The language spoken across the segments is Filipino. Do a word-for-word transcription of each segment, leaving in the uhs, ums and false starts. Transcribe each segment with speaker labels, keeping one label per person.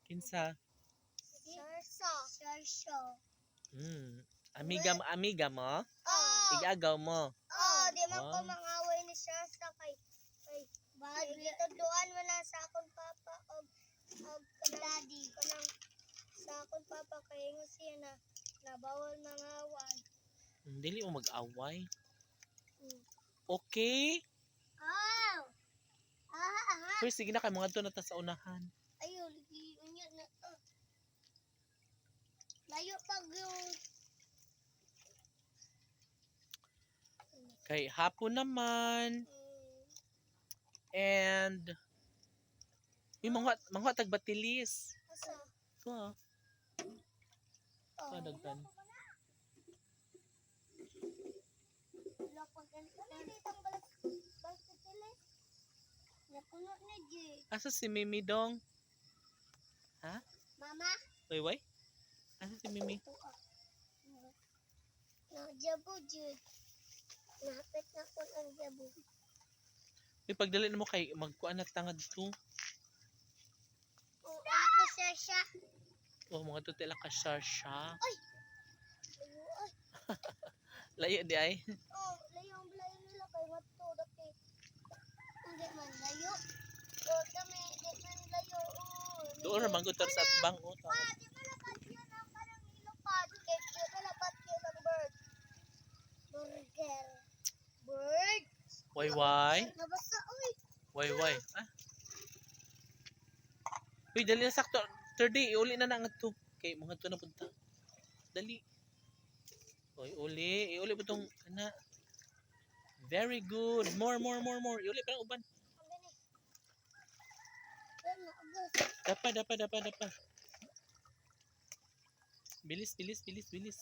Speaker 1: Kinsa?
Speaker 2: Sarso. Sarso.
Speaker 1: Hmm. Amiga mo, amiga mo?
Speaker 2: Oh.
Speaker 1: Igagaw mo.
Speaker 2: Oh, di man ko
Speaker 1: Oh.
Speaker 2: mangaway ni Sarso kay kay bad. Gituduan mo na sa akong papa og og daddy kanang sa akong papa kay ingon siya na nabawal mangaway.
Speaker 1: Hmm, Dili mo mag-away.
Speaker 2: Mm.
Speaker 1: Okay?
Speaker 2: Oh. Ah, ah.
Speaker 1: Pero sige na kay mga to na ta sa unahan.
Speaker 2: Ayun, unya na to. Layo pag yung
Speaker 1: Kay hapon naman.
Speaker 2: mm,
Speaker 1: And Uy, mga mga tagbatilis.
Speaker 2: asa.
Speaker 1: Ko ah.
Speaker 2: Oh.
Speaker 1: Kadagtan.
Speaker 2: Wala pa ganito. Ano dito ang balat basket nila? Napuno na di.
Speaker 1: Asa si Mimi dong? Ha?
Speaker 2: Mama?
Speaker 1: Wait, wait. Asa si Mimi?
Speaker 2: Na jabo jud. Nahapit na ko ang jabo.
Speaker 1: Uy, pagdali mo kay magkuan na tangad to.
Speaker 2: Oh, ano ko siya siya?
Speaker 1: Oh, mga to tila ka siya.
Speaker 2: Layo ay.
Speaker 1: Layo di ay.
Speaker 2: Oh, layo ang layo nila kay wato dati. Hindi man layo. Oh, kami di man layo. Oh.
Speaker 1: Doon ra manggo tar sa atbang o.
Speaker 2: Ah, di ba lapat yun ang parang ilupad? Kaya di ba lapat yun ang bird? Burger. Bird?
Speaker 1: Why why?
Speaker 2: Nabasa, uy.
Speaker 1: Why why? Ah. Uy, dali na sakto. Third day, iuli na na nga to. Kay mga to na punta. Dali. Uy, uli. Iuli po tong kana. Very good. More, more, more, more. Iuli pa ng uban.
Speaker 2: Ang gani. Ano, agos.
Speaker 1: Dapa, dapa, dapa, dapa. Bilis, bilis, bilis, bilis.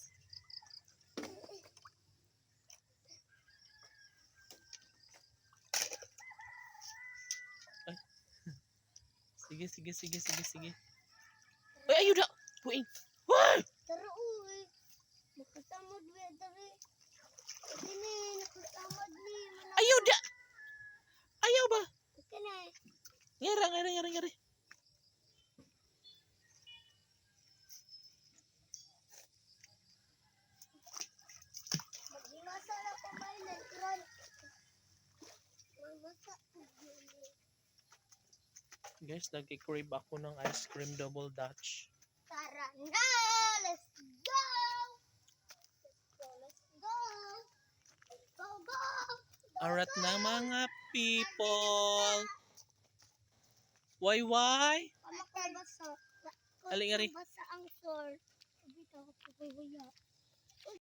Speaker 1: Ay. Sige, sige, sige, sige, sige. Ay, ayun na! Puing! Ay!
Speaker 2: Tara, uy. Nakatamad, we. Tara. Kini, nakatamad ni. Manang-
Speaker 1: Ayaw da! Ayaw ba?
Speaker 2: Kini.
Speaker 1: Ngara, ngara, ngara, ngara.
Speaker 2: Maghimasa na ko may nagkran. Maghimasa.
Speaker 1: Guys, nagki-crave ako ng ice cream double dutch.
Speaker 2: Tara na! Let's go! Let's go, let's go! Let's go, go!
Speaker 1: Arat na mga people. Why, why?
Speaker 2: Kamakabasa.
Speaker 1: Aling, ari.
Speaker 2: Kamakabasa ang sword. Sabi ka, kapagwaya.